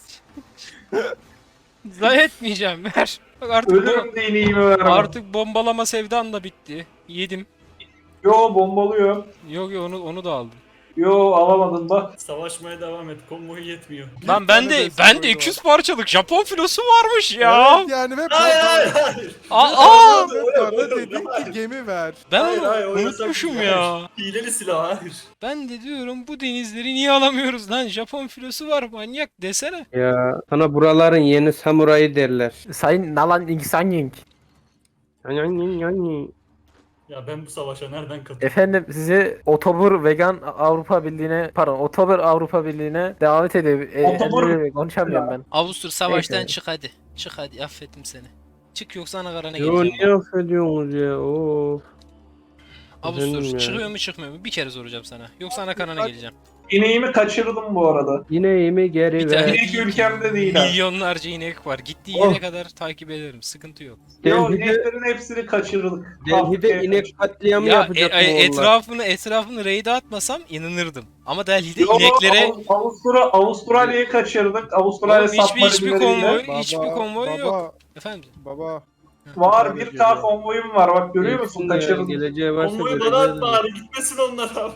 Speaker 1: Zayi etmeyeceğim ver. Bak artık, bu-
Speaker 6: Ölürüm de ineğimi vermem.
Speaker 1: artık bombalama sevdan da bitti. Yedim.
Speaker 6: Yo bombalıyor.
Speaker 1: Yok yok onu onu da aldım.
Speaker 6: Yo alamadın bak.
Speaker 9: Savaşmaya devam et konvoyu yetmiyor.
Speaker 1: Lan
Speaker 9: Bir
Speaker 1: ben
Speaker 9: tane
Speaker 1: de
Speaker 9: destek
Speaker 1: ben de
Speaker 9: oyunu
Speaker 1: iki yüz
Speaker 9: var.
Speaker 1: parçalık Japon filosu varmış ya.
Speaker 7: Evet yani ve
Speaker 9: Hayır hayır hayır.
Speaker 1: Aa, aa!
Speaker 7: Ve
Speaker 9: Hayır,
Speaker 7: bana
Speaker 9: hayır,
Speaker 7: dedim
Speaker 9: hayır.
Speaker 7: ki gemi ver.
Speaker 1: Ben
Speaker 9: Hayır,
Speaker 1: onu
Speaker 9: hayır, o yasak
Speaker 1: unutmuşum
Speaker 9: değil,
Speaker 1: ya.
Speaker 9: hayır. Hileli silah hayır.
Speaker 1: Ben de diyorum bu denizleri niye alamıyoruz lan? Japon filosu var manyak desene.
Speaker 5: Ya sana buraların yeni samurayı derler.
Speaker 2: Sayın Nalan Ingsanying.
Speaker 9: Ya ben bu savaşa nereden katılıyorum?
Speaker 2: Efendim sizi Otobur Vegan Avrupa Birliği'ne pardon Otobur Avrupa Birliği'ne davet ediyor. E,
Speaker 6: Otobur-
Speaker 2: e, konuşamıyorum ben.
Speaker 1: Avustur savaştan
Speaker 2: Neyse.
Speaker 1: çık hadi. Çık hadi affettim seni. Çık yoksa Anakara'na
Speaker 5: Yo
Speaker 1: geleceğim.
Speaker 5: niye affediyorsunuz ya? Of.
Speaker 1: Avustur
Speaker 5: Efendim ya.
Speaker 1: çıkıyor mu çıkmıyor mu? Bir kere soracağım sana. Yoksa Anakara'na geleceğim.
Speaker 6: İneğimi kaçırdım bu arada.
Speaker 5: İneğimi geri
Speaker 1: Bir
Speaker 5: ver.
Speaker 1: tane
Speaker 6: İnek ülkemde değil ha.
Speaker 1: Milyonlarca inek var. Gittiği
Speaker 5: Oh.
Speaker 1: yere kadar takip ederim. Sıkıntı yok.
Speaker 6: Yo
Speaker 5: Delhi'de,
Speaker 6: ineklerin hepsini kaçırdık.
Speaker 5: Delhi'de
Speaker 6: Afrika'ya
Speaker 5: inek
Speaker 6: kaçırdık.
Speaker 5: katliamı
Speaker 1: Ya e,
Speaker 5: yapacak
Speaker 1: e,
Speaker 5: mı onlar?
Speaker 1: etrafını etrafını raid'e atmasam inanırdım. Ama Delhi'de
Speaker 6: Yo,
Speaker 1: ineklere
Speaker 6: Av- Avustra Avustralya'yı kaçırdık. Avustralya
Speaker 1: Oğlum hiçbir hiçbir
Speaker 6: submarinleriyle.
Speaker 1: konvoy
Speaker 7: Baba,
Speaker 1: hiçbir konvoy
Speaker 7: baba,
Speaker 1: yok. Efendim.
Speaker 7: Baba.
Speaker 6: Var bir K konvoyum var bak görüyor musun?
Speaker 5: Gelsin ya,
Speaker 6: Kaçırdım.
Speaker 5: geleceği varsa
Speaker 9: Konvoyu bana
Speaker 5: göreceğiz.
Speaker 9: at bari gitmesin onlar abi.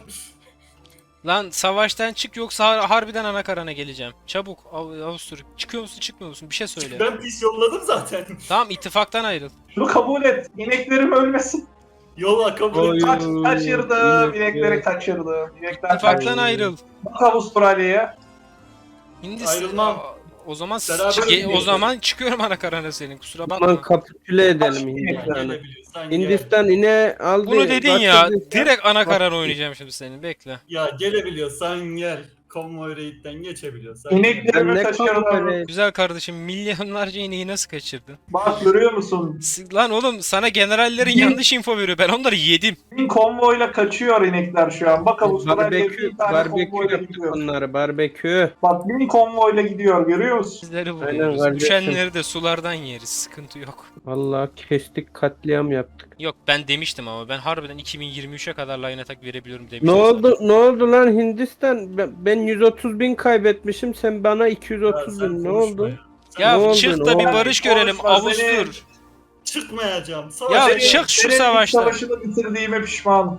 Speaker 1: Lan savaştan çık yoksa har- harbiden Anakara'na geleceğim. Çabuk Av- Avustur. Çıkıyor musun çıkmıyor musun? Bir şey söyle.
Speaker 9: Ben pis yolladım zaten.
Speaker 1: Tamam ittifaktan ayrıl.
Speaker 6: Şunu kabul et. İneklerim ölmesin.
Speaker 9: Yolla kabul et.
Speaker 6: Kaç, kaçırdım.
Speaker 5: inek-
Speaker 6: İnekleri kaçırdım. İnekler
Speaker 1: İttifaktan
Speaker 6: kaçırdım.
Speaker 1: ayrıl.
Speaker 6: Bak Avustralya'ya.
Speaker 1: Hindistan.
Speaker 9: Ayrılmam.
Speaker 1: Aa, O zaman
Speaker 9: Beraber
Speaker 1: çık- o
Speaker 9: gidiyoruz.
Speaker 1: zaman çıkıyorum Anakara'na senin. Kusura
Speaker 5: Aman
Speaker 1: bakma.
Speaker 5: kapitüle edelim
Speaker 6: Kaç
Speaker 5: Hindistan'ı.
Speaker 9: Gelebiliyorsan gel.
Speaker 5: Hindistan yine aldı.
Speaker 1: Bunu dedin ya.
Speaker 5: bastırdı.
Speaker 1: Direkt Anakara'na oynayacağım şimdi senin. Bekle.
Speaker 9: Ya gelebiliyorsan gel. Konvoy raid'den geçebiliyorsan.
Speaker 5: Ben
Speaker 6: İneklerimi
Speaker 5: ne
Speaker 6: kaçırdım.
Speaker 5: kampere-
Speaker 1: Güzel kardeşim milyonlarca ineği nasıl kaçırdın?
Speaker 6: Bak görüyor musun?
Speaker 1: S- Lan oğlum sana generallerin
Speaker 6: Bin-
Speaker 1: yanlış info veriyor. Ben onları yedim.
Speaker 6: Bin konvoyla kaçıyor inekler şu an. Bak Avustralya'ya
Speaker 5: Barbekü,
Speaker 6: bir tane
Speaker 5: barbekü
Speaker 6: konvoyla
Speaker 5: yaptık
Speaker 6: gidiyor.
Speaker 5: onları, barbekü.
Speaker 6: Bak bin konvoyla gidiyor görüyor musun?
Speaker 1: Sizleri
Speaker 5: Aynen
Speaker 1: vuruyoruz.
Speaker 5: kardeşim.
Speaker 1: Düşenleri de sulardan yeriz. Sıkıntı yok.
Speaker 5: Vallahi kestik, katliam yaptık.
Speaker 1: Yok ben demiştim ama ben harbiden iki bin yirmi üçe kadar line attack verebiliyorum
Speaker 5: Ne
Speaker 1: demiştim.
Speaker 5: oldu? Ne oldu lan Hindistan? Ben, ben yüz otuz bin kaybetmişim. Sen bana iki yüz
Speaker 9: Ya
Speaker 5: otuz
Speaker 9: sen
Speaker 5: bin. Ne
Speaker 9: konuşma
Speaker 5: oldu?
Speaker 9: ya. Sen
Speaker 1: Ya
Speaker 5: Ne oldu,
Speaker 1: çık
Speaker 5: ne
Speaker 1: da bir
Speaker 5: oldu?
Speaker 1: barış görelim.
Speaker 6: Konuşma, seni-
Speaker 1: Avustur.
Speaker 9: Çıkmayacağım.
Speaker 1: Ya
Speaker 9: Savaşa
Speaker 1: çık şu
Speaker 6: Senin ilk
Speaker 1: savaştan.
Speaker 6: savaşını bitirdiğime pişmanım.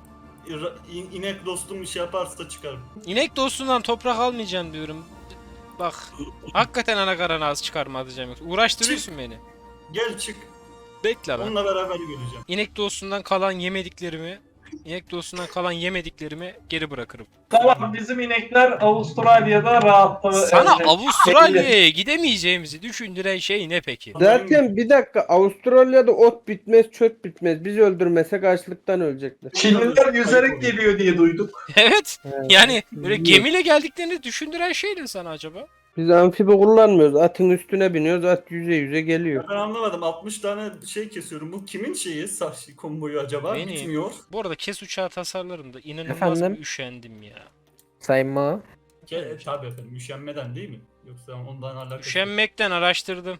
Speaker 9: İra- in- İnek dostum bir şey yaparsa çıkarım.
Speaker 1: İnek dostundan toprak almayacağım diyorum. Bak. Hakikaten Anakara'na az çıkarma atacağım. yoksa. Uğraştırıyorsun beni.
Speaker 9: Gel çık.
Speaker 1: Bekle lan.
Speaker 9: Onunla beraber göreceğim.
Speaker 1: İnek dostundan kalan yemediklerimi İnek dostundan kalan yemediklerimi geri bırakırım.
Speaker 6: Tamam bizim inekler Avustralya'da rahat.
Speaker 1: Sana
Speaker 6: Evet.
Speaker 1: Avustralya'ya gidemeyeceğimizi düşündüren şey ne peki?
Speaker 5: Zaten bir dakika, Avustralya'da ot bitmez, çöp bitmez. Biz öldürmesek açlıktan ölecekler.
Speaker 6: Çinliler yüzerek geliyor diye duyduk.
Speaker 1: Evet. Yani böyle
Speaker 5: Biliyorum.
Speaker 1: gemiyle geldiklerini düşündüren şey ne sana acaba?
Speaker 5: Biz amfibi kullanmıyoruz. Atın üstüne biniyoruz. At yüze yüze geliyor.
Speaker 9: Ben anlamadım. altmış tane şey kesiyorum. Bu kimin şeyi? Saç konvoyu acaba?
Speaker 1: Benim.
Speaker 9: Bitmiyor.
Speaker 1: Bu arada kes uçağı tasarlarında inanılmaz
Speaker 2: Efendim?
Speaker 1: bir üşendim ya.
Speaker 2: Sayın Ma.
Speaker 9: Ke tabii efendim. Üşenmeden değil mi? Yoksa ondan alakası.
Speaker 1: Üşenmekten araştırdım.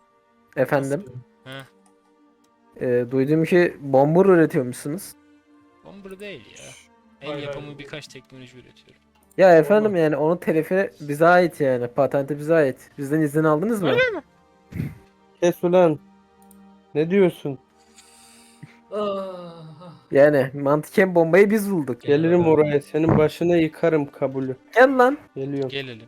Speaker 2: Efendim.
Speaker 1: Heh.
Speaker 2: E, duyduğum ki bomber üretiyormuşsunuz.
Speaker 1: Bomber değil ya. El
Speaker 9: Hayır,
Speaker 1: yapımı
Speaker 9: hayır.
Speaker 1: birkaç teknoloji üretiyorum.
Speaker 2: Ya efendim yani onun telifi bize ait yani. Patenti bize ait. Bizden izin aldınız mı?
Speaker 5: Kes ulan. Ne diyorsun?
Speaker 9: Ah,
Speaker 2: Yani mantıken bombayı biz bulduk.
Speaker 5: Gelirim oraya. Senin başına yıkarım kabulü.
Speaker 2: Gel lan.
Speaker 5: Geliyorum.
Speaker 1: Gelelim.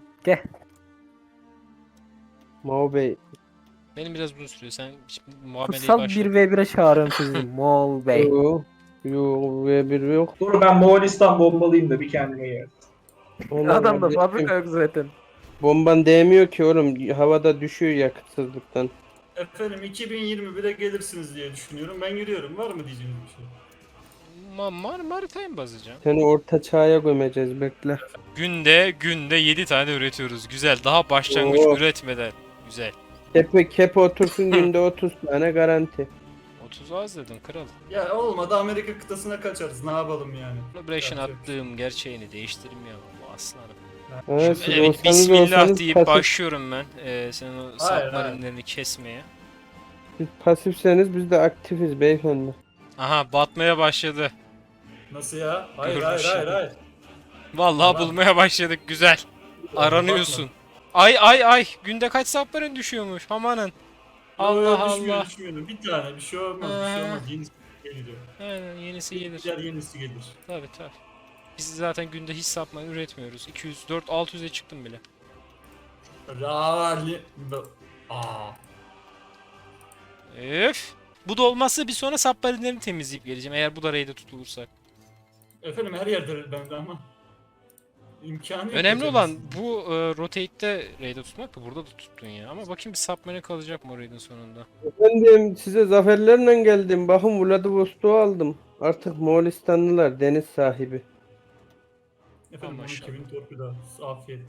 Speaker 5: Mao Bey.
Speaker 1: Benim biraz uzun sürüyor. Sen şimdi muameleyi
Speaker 2: Kutsal
Speaker 1: başla.
Speaker 2: bir ve bire çağırıyorum sizi. Moğol Bey.
Speaker 5: Yo. Yo. V bir yok.
Speaker 6: Dur ben Moğolistan bombalıyım da bir kendime yer.
Speaker 5: Onlar
Speaker 2: Adamda
Speaker 5: kardeşim,
Speaker 2: fabrika yok zaten.
Speaker 5: Bomban değmiyor ki oğlum. Havada düşüyor yakıtsızlıktan.
Speaker 9: efendim iki bin yirmi bire gelirsiniz diye düşünüyorum. Ben yürüyorum. Var mı diyeceğiniz bir şey?
Speaker 1: Ma mar Marita'ya mı basacağım?
Speaker 5: Seni orta çağa gömeceğiz bekle.
Speaker 1: Günde günde yedi tane üretiyoruz. Güzel. Daha başlangıç
Speaker 5: Oo.
Speaker 1: üretmeden. Güzel.
Speaker 5: Kepe kepe otursun günde otuz tane garanti.
Speaker 1: otuz az dedin kral.
Speaker 9: Ya olmadı Amerika kıtasına kaçarız. Ne yapalım yani?
Speaker 1: Celebration
Speaker 9: Yapacak bir şey
Speaker 1: attığım gerçeğini değiştirmiyor bu aslanım.
Speaker 5: Ha, siz
Speaker 1: Evet,
Speaker 5: olsanız
Speaker 1: bismillah
Speaker 5: olsanız
Speaker 1: deyip
Speaker 5: pasif,
Speaker 1: başlıyorum ben. Ee, senin o
Speaker 9: Hayır,
Speaker 1: submarinlerini kesmeye.
Speaker 5: siz pasifseniz biz de aktifiz beyefendi.
Speaker 1: Aha batmaya başladı.
Speaker 9: Nasıl ya? Hayır
Speaker 1: Görmüş
Speaker 9: hayır hayır
Speaker 1: ya.
Speaker 9: hayır.
Speaker 1: Vallahi
Speaker 9: Tamam.
Speaker 1: bulmaya başladık. Güzel. Aranıyorsun. Ay ay ay. Günde kaç submarin düşüyormuş? Amanın. Allah
Speaker 9: Yok, düşmüyor,
Speaker 1: Allah.
Speaker 9: düşmüyor. Bir tane bir şey olmaz. Bir şey
Speaker 1: Aha.
Speaker 9: olmaz. Yenisi geliyor.
Speaker 1: Aynen yenisi gelir.
Speaker 9: Diğer yenisi gelir.
Speaker 1: Tabii tabii. Biz zaten günde hiç submarin üretmiyoruz. iki yüz dört altı yüze çıktım bile.
Speaker 9: Rali. Aa.
Speaker 1: Öf. Bu da olmazsa bir sonra submarinlerini temizleyip geleceğim. Eğer bu da raid'e tutulursak.
Speaker 9: Efendim her yerde bende ama. İmkanı yok.
Speaker 1: Önemli
Speaker 9: hocam.
Speaker 1: olan bu e, rotate'de raid'e tutmak da burada da tuttun ya. Ama bakayım bir submarine kalacak mı o raid'in sonunda.
Speaker 5: Efendim size zaferlerle geldim. Bakın Vladivostok'u aldım. Artık Moğolistanlılar deniz sahibi.
Speaker 9: Efendim
Speaker 1: Aman
Speaker 9: on iki bin torpido. Afiyet.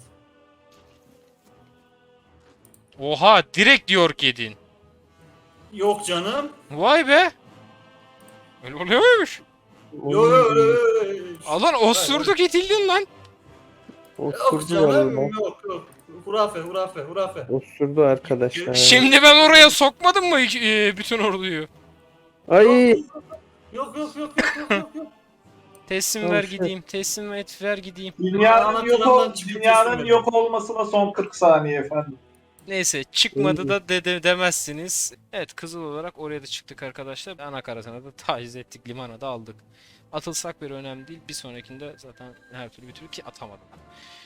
Speaker 1: Oha direkt New York yedin.
Speaker 9: Yok canım.
Speaker 1: Vay be. Öyle oluyor muymuş?
Speaker 9: Yok yok yok yok.
Speaker 1: Alan osurduk itildin lan.
Speaker 9: Yok
Speaker 5: Osurdu
Speaker 9: canım.
Speaker 5: vallahi.
Speaker 9: Yok yok. Hurafe hurafe hurafe.
Speaker 5: Osurdu arkadaşlar.
Speaker 1: Şimdi ben oraya sokmadım mı e, bütün orduyu?
Speaker 5: Ay
Speaker 9: Yok yok yok yok yok yok yok.
Speaker 1: Teslim
Speaker 5: Tamam,
Speaker 1: ver
Speaker 5: şey-
Speaker 1: gideyim. Teslim et ver gideyim.
Speaker 6: Dünyanın yok, ol,
Speaker 9: Anahtarından çıkıp
Speaker 6: dünyanın
Speaker 9: teslim
Speaker 6: yok olmasına son kırk saniye efendim.
Speaker 1: Neyse çıkmadı da de, de- demezsiniz. Evet Kızıl olarak oraya da çıktık arkadaşlar. Anakaratına da taciz ettik. Limana da aldık. Atılsak bir önemli değil. Bir sonrakinde zaten her türlü bir türlü ki atamadım.